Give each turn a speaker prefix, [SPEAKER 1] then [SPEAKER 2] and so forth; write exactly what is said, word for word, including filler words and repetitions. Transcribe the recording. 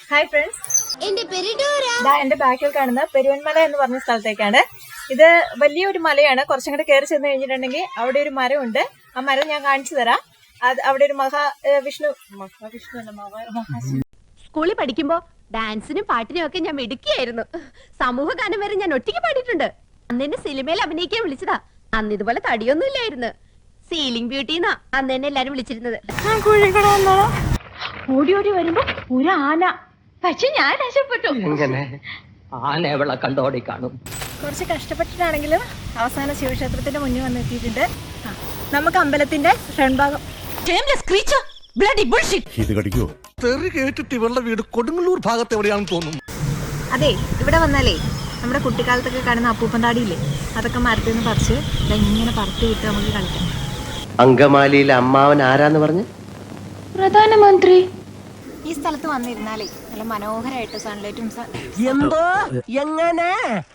[SPEAKER 1] Hi friends, എന്റെ ബാക്കിൽ കാണുന്ന പെരുവൻമല എന്ന് പറഞ്ഞ സ്ഥലത്തേക്കാണ്. ഇത് വലിയൊരു മലയാണ്. കുറച്ചും കൂടെ കയറി ചെന്ന് കഴിഞ്ഞിട്ടുണ്ടെങ്കിൽ അവിടെ ഒരു മരമുണ്ട്. ആ മരം ഞാൻ കാണിച്ചു തരാം. അത് അവിടെ ഒരു മഹാ വിഷ്ണു മഹാവിഷ്ണു അല്ല മഹാ
[SPEAKER 2] സ്കൂളിൽ പഠിക്കുമ്പോ ഡാൻസിനും പാട്ടിനും ഒക്കെ ഞാൻ മിടുക്കിയായിരുന്നു. സമൂഹ ഗാനം വരെ ഞാൻ ഒറ്റയ്ക്ക് പാടിയിട്ടുണ്ട്. അന്ന് എന്നെ സിനിമയിൽ അഭിനയിക്കാൻ വിളിച്ചതാ. അന്ന് ഇതുപോലെ തടിയൊന്നും ഇല്ലായിരുന്നു. സീലിംഗ് ബ്യൂട്ടിന്നാ അന്ന് എന്നെ എല്ലാരും വിളിച്ചിരുന്നത്. ഓടി ഓടി വരുമ്പോ ഒരു ആന, പക്ഷെ ഞാൻ രക്ഷപ്പെട്ടു.
[SPEAKER 3] ആന എവിടെ കണ്ടോടി കാണും.
[SPEAKER 1] കുറച്ച് കഷ്ടപ്പെട്ടിട്ടാണെങ്കിലും അവസാന ശിവക്ഷേത്രത്തിന്റെ മുന്നിൽ വന്നെത്തിയിട്ടുണ്ട്. നമുക്ക് അമ്പലത്തിന്റെ ഫ്രണ്ട് ഭാഗം.
[SPEAKER 4] ഇവളുടെ വീട് കൊടുങ്ങല്ലൂർ ഭാഗത്ത് എവിടെയാണെന്ന് തോന്നുന്നു.
[SPEAKER 1] അതെ, ഇവിടെ വന്നാലേ നമ്മുടെ കുട്ടിക്കാലത്തൊക്കെ കാണുന്ന അപ്പൂപ്പന്താടിയില്ലേ, അതൊക്കെ മരത്തിൽ നിന്ന് പറിച്ച് ഇങ്ങനെ പറത്തി വിട്ട് നമുക്ക് കളിക്കാം.
[SPEAKER 5] അങ്കമാലിയിലെ അമ്മാവൻ ആരാന്ന് പറഞ്ഞു?
[SPEAKER 1] പ്രധാനമന്ത്രി. ഈ സ്ഥലത്ത് വന്നിരുന്നാലേ നല്ല മനോഹരമായിട്ട് സൺലൈറ്റും
[SPEAKER 3] എന്തോ എങ്ങനെ